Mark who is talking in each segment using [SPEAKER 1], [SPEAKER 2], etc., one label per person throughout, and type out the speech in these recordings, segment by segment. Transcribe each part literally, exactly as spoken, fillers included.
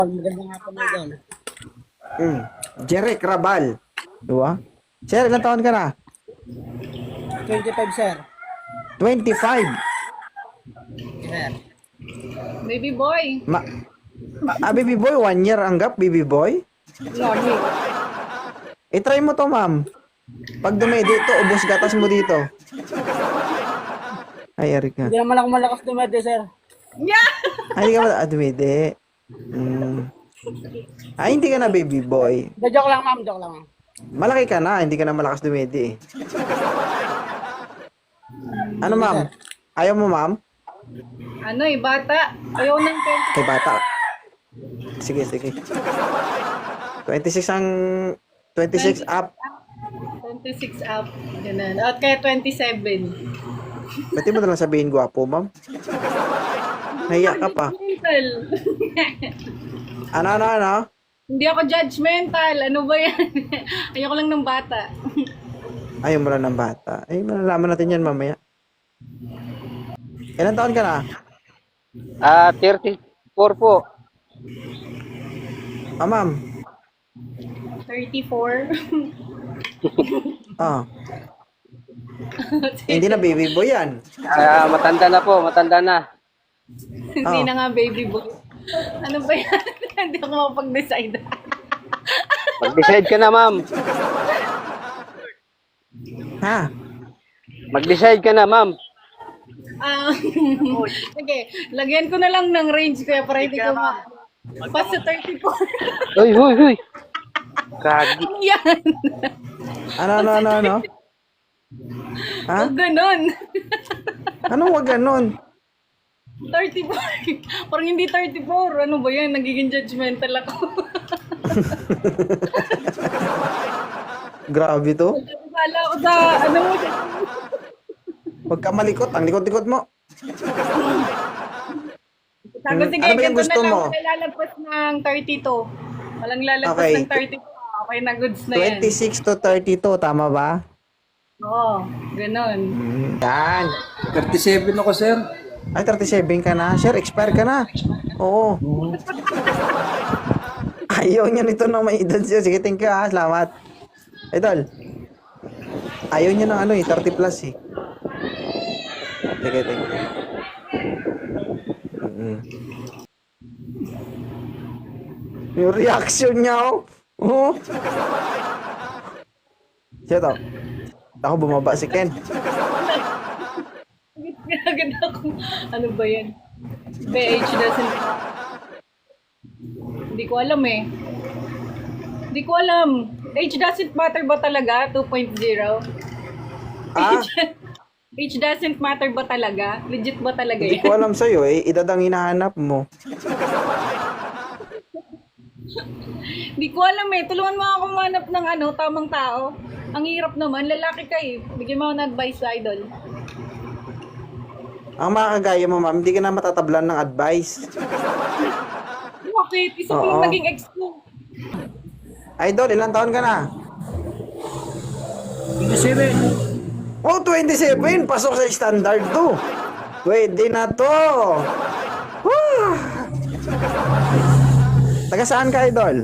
[SPEAKER 1] Magandang hapon na idol.
[SPEAKER 2] Mm. Jeric Rabal. Diba? Sir, ilang taon ka na?
[SPEAKER 1] twenty-five, sir.
[SPEAKER 2] twenty-five.
[SPEAKER 1] Sir.
[SPEAKER 3] Baby boy.
[SPEAKER 2] Ma ah, baby boy, one year ang gap, baby boy.
[SPEAKER 3] Lordy.
[SPEAKER 2] I-try mo to, ma'am. Pag dumedi ito, ubos gatas mo dito. Ay, Eric ka.
[SPEAKER 1] Hindi naman ako malakas dumede, sir.
[SPEAKER 3] Yeah!
[SPEAKER 2] Ay, hindi ka ba? Ah, dumedi. Mm. Ay, hindi ka na baby boy.
[SPEAKER 1] Da, joke lang, ma'am. Joke lang, ma'am.
[SPEAKER 2] Malaki ka na, hindi ka na malakas dumedi eh. Ano, ma'am? Ayaw mo, ma'am?
[SPEAKER 3] Ano eh, bata. Ayaw ng twenty.
[SPEAKER 2] Kay bata. Sige, sige. twenty-six ang... twenty-six up.
[SPEAKER 3] twenty-six up. Ganun. At kaya twenty-seven.
[SPEAKER 2] Ba't di mo na lang sabihin gwapo, ma'am? Nahiya ka pa.
[SPEAKER 3] Judgmental.
[SPEAKER 2] Ano, ano, ano?
[SPEAKER 3] Hindi ako judgmental. Ano ba yan? Ayoko lang ng bata.
[SPEAKER 2] Ayaw mo lang ng bata. Ay, malalaman natin yan mamaya. Ilan taon ka na?
[SPEAKER 4] Ah, thirty-four po.
[SPEAKER 2] Ah, ma'am.
[SPEAKER 3] thirty-four.
[SPEAKER 2] Ah. Hindi na baby boy yan.
[SPEAKER 4] Ah, matanda na po, matanda na.
[SPEAKER 3] Hindi
[SPEAKER 2] Oh.
[SPEAKER 3] na nga baby boy. Ano ba yan? Hindi ako mapag-decide.
[SPEAKER 4] Mag-decide ka na, ma'am.
[SPEAKER 2] Ha?
[SPEAKER 4] Mag-decide ka na, ma'am.
[SPEAKER 3] Ah, sige, lagyan ko na lang ng range kaya para hindi ko ma... Pas sa thirty-four.
[SPEAKER 4] Uy, uy, uy. Kagi.
[SPEAKER 3] Yan.
[SPEAKER 2] Ano, ano, ano, ano? Ha?
[SPEAKER 3] O ganon.
[SPEAKER 2] Anong wag ganon?
[SPEAKER 3] thirty-four. Parang hindi thirty-four. Ano ba yan? Nagiging judgmental ako.
[SPEAKER 2] Grabe to.
[SPEAKER 3] Kala ko sa, ano mo,
[SPEAKER 2] Huwag ka malikot. Ang likot-likot mo.
[SPEAKER 3] sabi,
[SPEAKER 2] Hmm,
[SPEAKER 3] sige,
[SPEAKER 2] ano ba yung
[SPEAKER 3] ganito
[SPEAKER 2] gusto
[SPEAKER 3] na lang.
[SPEAKER 2] mo?
[SPEAKER 3] Walang lalagpas ng thirty-two. Walang lalagpas
[SPEAKER 2] Okay.
[SPEAKER 3] ng thirty-two. Okay na, goods na yan.
[SPEAKER 2] twenty-six to thirty-two. Tama ba?
[SPEAKER 3] Oo, ganon.
[SPEAKER 2] Hmm, yan.
[SPEAKER 5] thirty-seven ako, sir.
[SPEAKER 2] Ay, thirty-seven ka na. Sir, expire ka na. Oo. Ayaw niya nito na may edad siya. Sige, thank you ha. Salamat. Idol. Ayaw niya ng ano eh. thirty plus eh. Sige, thank you. Mm-hmm. Yung reaction niya oh. Oh. Siya to. Ako bumaba si Ken.
[SPEAKER 3] Agad ako. Ano ba yan? B H doesn't... Hindi ko alam eh. Hindi ko alam. Age doesn't matter ba talaga? two point oh?
[SPEAKER 2] Ah?
[SPEAKER 3] Age doesn't matter ba talaga? Legit ba talaga
[SPEAKER 2] Hindi
[SPEAKER 3] yan?
[SPEAKER 2] ko alam sa'yo eh. Edad ang hinahanap mo.
[SPEAKER 3] Hindi ko alam eh. Tulungan mo ako manap ng ano, tamang tao. Ang hirap naman. Lalaki ka eh. Bigyan mo ako ng advice, idol.
[SPEAKER 2] Ang mga kagaya mo, ma'am, hindi ka na matatablan ng advice.
[SPEAKER 3] Bakit? Isa ko
[SPEAKER 2] Oo.
[SPEAKER 3] yung naging ex ko.
[SPEAKER 2] Idol, ilang taon ka na?
[SPEAKER 5] twenty-seven.
[SPEAKER 2] Oh, twenty-seven! Pasok sa standard to. Pwede na to. Woo! Taga saan ka, Idol?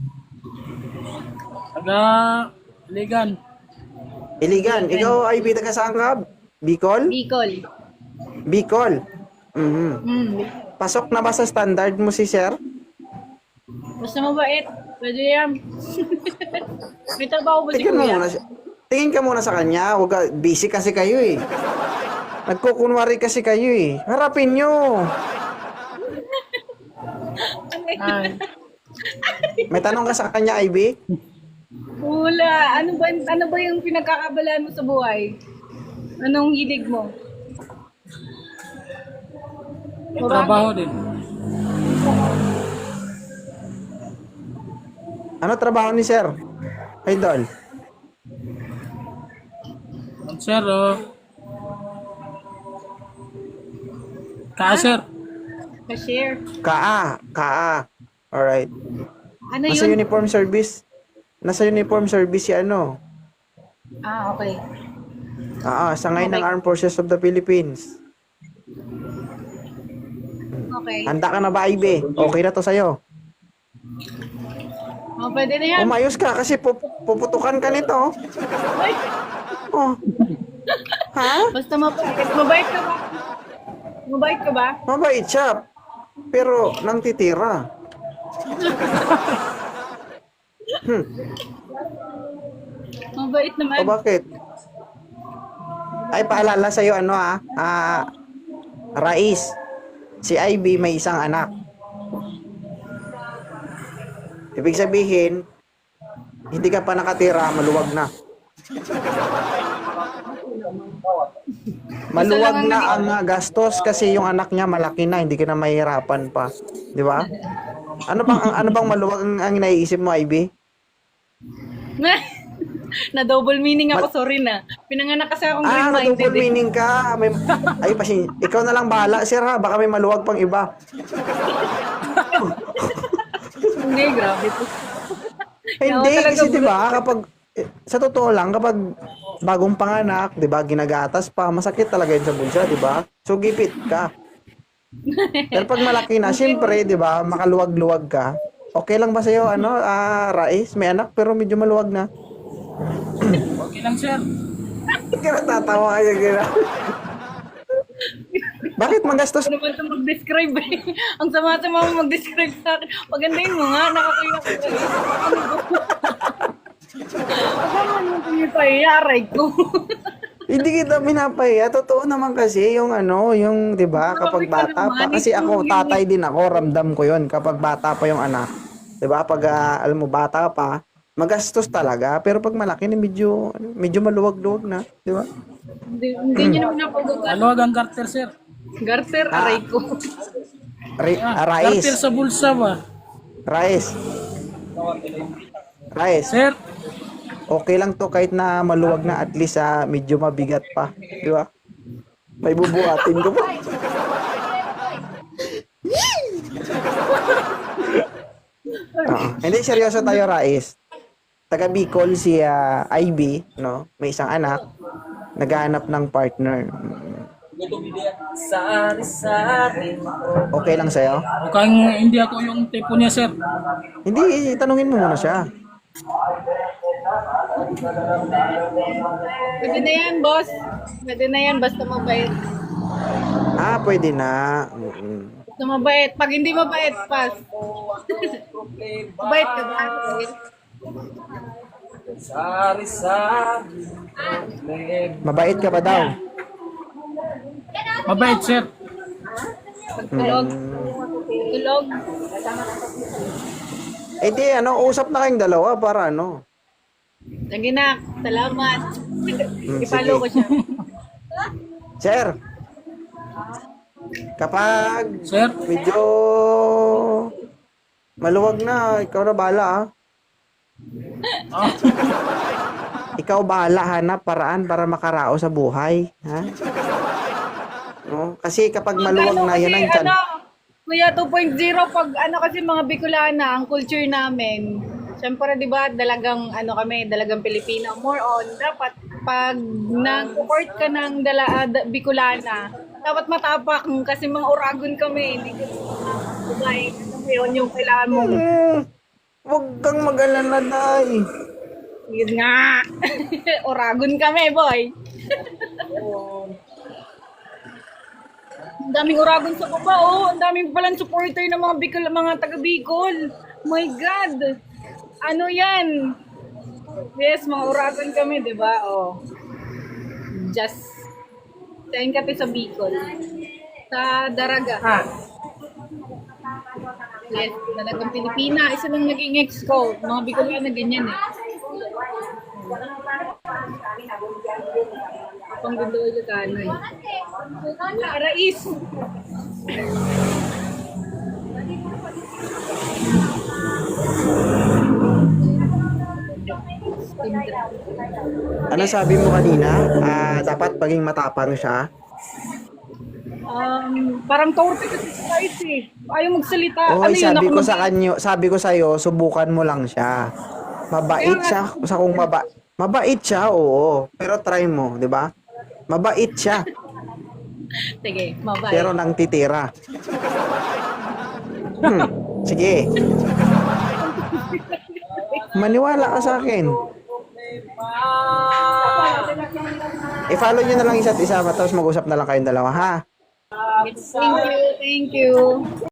[SPEAKER 5] Taga Ligan.
[SPEAKER 2] Iligan. Ikaw, I B, taga saan ka? Bicol?
[SPEAKER 3] Bicol.
[SPEAKER 2] Bicol. Mhm.
[SPEAKER 3] Hmm.
[SPEAKER 2] Pasok na ba sa standard mo si Sir?
[SPEAKER 3] Basta mabait. Pwede yan. May trabaho ba si
[SPEAKER 2] Tingin mo
[SPEAKER 3] Kuya?
[SPEAKER 2] muna siya. Tingin ka muna sa kanya. Huwag ka, busy kasi kayo eh. Nagkukunwari kasi kayo eh. Harapin nyo.
[SPEAKER 5] Ay,
[SPEAKER 2] May tanong ka sa kanya, I B?
[SPEAKER 3] Wala. Ano ba, ano ba yung pinagkakabalaan mo sa buhay? Anong hilig mo?
[SPEAKER 5] may trabaho din.
[SPEAKER 2] Ano trabaho ni Sir? Idol?
[SPEAKER 5] Sir, oh. Ka-sir.
[SPEAKER 3] Cashier.
[SPEAKER 2] Kaa. Kaa. Alright.
[SPEAKER 3] Ano
[SPEAKER 2] Nasa
[SPEAKER 3] yun?
[SPEAKER 2] uniform service. Nasa uniform service si ano.
[SPEAKER 3] Ah, okay.
[SPEAKER 2] Ah, sangay ng
[SPEAKER 3] Okay.
[SPEAKER 2] Armed Forces of the Philippines.
[SPEAKER 3] Okay.
[SPEAKER 2] Handa ka na ba, I B? Okay na to sa'yo.
[SPEAKER 3] Oh, pwede na yan.
[SPEAKER 2] Umayos ka kasi pup- puputukan ka nito.
[SPEAKER 3] Ay,
[SPEAKER 2] Oh. Ha?
[SPEAKER 3] basta mabait. Mabait ka ba? Mabait ka ba?
[SPEAKER 2] Mabait siya. Pero nang titira. Hmm.
[SPEAKER 3] Mabait naman.
[SPEAKER 2] O bakit? Ay, paalala sa'yo, ano ah, ah, Rais, si Ivy may isang anak. Ibig sabihin, hindi ka pa nakatira, maluwag na. Maluwag na ang ah, gastos kasi yung anak niya malaki na, hindi ka na mahirapan pa. Di ba? Ano bang, ang- ano bang maluwag ang, ang naiisip mo, Ivy?
[SPEAKER 3] Na double meaning ako, sorry na. Pinanganak kasi akong
[SPEAKER 2] Ah,
[SPEAKER 3] green-minded.
[SPEAKER 2] double
[SPEAKER 3] eh.
[SPEAKER 2] meaning ka. May, ay, pasin, ikaw na lang bahala, sir ha. Baka may maluwag pang iba.
[SPEAKER 3] Hindi, grabe to.
[SPEAKER 2] Hindi,
[SPEAKER 3] talaga
[SPEAKER 2] kasi
[SPEAKER 3] bro.
[SPEAKER 2] 'di ba, kapag eh, sa totoo lang kapag bagong panganak, 'di ba, ginagatas pa, masakit talaga 'yun sa bulsa, 'di ba? So gipit ka. Pero pag malaki na, syempre, 'di ba, makaluwag-luwag ka. Okay lang ba sa iyo ano, ah, Rais, may anak pero medyo maluwag na?
[SPEAKER 5] Okay lang, sir.
[SPEAKER 2] Kaya natatawa kayo gina. Bakit magastos?
[SPEAKER 3] Ano naman ito mag-describe eh. Ang sama-sama mo mag-describe sa akin. Pagandahin mo nga, nakakaya ko kayo. Ano ba? Kasama mo ito yung payayaray ko.
[SPEAKER 2] Hindi kita pinapahiya. Totoo naman kasi yung ano, yung 'di ba, kapag bata pa. Kasi ako tatay din ako, ramdam ko 'yon kapag bata pa yung anak. 'Di ba? Pag ah, alam mo bata pa, magastos talaga. Pero pag malaki na medyo medyo maluwag-luwag na, 'di ba?
[SPEAKER 3] Hindi, hindi nyo naman napagawa.
[SPEAKER 5] Maluwag ang garter, sir.
[SPEAKER 3] Garter, aray ko.
[SPEAKER 2] Ri- ah,
[SPEAKER 5] Garter
[SPEAKER 2] Rais,
[SPEAKER 5] sa bulsa ba?
[SPEAKER 2] Rais. Rais,
[SPEAKER 5] Sir,
[SPEAKER 2] okay lang to kahit na maluwag na, at least ah, medyo mabigat pa, 'di ba? May bubuhatin ko pa. Oo. Hindi, seryoso tayo, Rais. Taga Bicol si ah, Ivy, no? May isang anak, naghahanap ng partner. Okay lang sa'yo?
[SPEAKER 5] mukhang hindi ako yung tipo niya, sir.
[SPEAKER 2] Hindi, tanungin mo muna siya.
[SPEAKER 3] Pwede na yan, boss. Pwede na yan, basta mabait.
[SPEAKER 2] Ah, pwede na. Mm-mm.
[SPEAKER 3] Basta mabait. Pag hindi mabait, pass. Mabait ka ba?
[SPEAKER 2] Mabait ka ba daw?
[SPEAKER 5] Mabait, sir.
[SPEAKER 3] Pagtulog. Tulog.
[SPEAKER 2] Eh di, ano, usap na kayong dalawa para ano.
[SPEAKER 3] Sige na. Salamat.
[SPEAKER 2] Mm,
[SPEAKER 3] I-follow ko siya.
[SPEAKER 2] Sir, kapag
[SPEAKER 5] Sir,
[SPEAKER 2] medyo maluwag na, ikaw na bahala ah.
[SPEAKER 5] ah,
[SPEAKER 2] Ikaw bahala, hanap paraan para makarao sa buhay. Ha? No? Kasi kapag maluwag
[SPEAKER 3] Ano
[SPEAKER 2] na, yan ang
[SPEAKER 3] kasi,
[SPEAKER 2] tiyan.
[SPEAKER 3] ano, Kuya two point oh, pag ano kasi mga Bicolana, ang culture namin, syempre di ba dalagang ano kami, dalagang Pilipino, more on, dapat pag nag-court ka ng dala, ah, da- Bicolana, dapat matapak kasi mga Uragon kami, hindi ko babae, ano yun yung kailangan mo.
[SPEAKER 2] Hmm, huwag kang mag-alala, Day.
[SPEAKER 3] Yun nga, Uragon kami, boy. Ang daming Uragon sa baba, oh. Ang daming palang supporter ng mga Bicol, mga taga Bicol. My God. Ano yan? Yes, mga Uragon kami, di ba? Oh. Just, sayin kami sa Bicol. Sa Daraga. Yes, Daragang Pilipina. Isa lang naging ex ko. Mga Bicolana na ganyan eh. Pang gundo yung kano eh. Rais!
[SPEAKER 2] Ano sabi mo kanina? Ah, dapat paging matapang siya.
[SPEAKER 3] Um, parang torpe kasi si Rais eh. Ayaw magsalita.
[SPEAKER 2] Oy,
[SPEAKER 3] ano yun?
[SPEAKER 2] sabi
[SPEAKER 3] Ako
[SPEAKER 2] ko
[SPEAKER 3] mag-
[SPEAKER 2] sa kanyo, sabi ko sa iyo, subukan mo lang siya. Mabait siya. Sa kung maba mabait siya, oo. Pero try mo, 'di ba? Mabait siya,
[SPEAKER 3] Sige, mabay.
[SPEAKER 2] pero nang titira. Hmm, sige. Maniwala ka sa akin. I-follow nyo na lang isa't isa, tapos mag-usap na lang kayong dalawa, ha?
[SPEAKER 3] Thank you, thank you.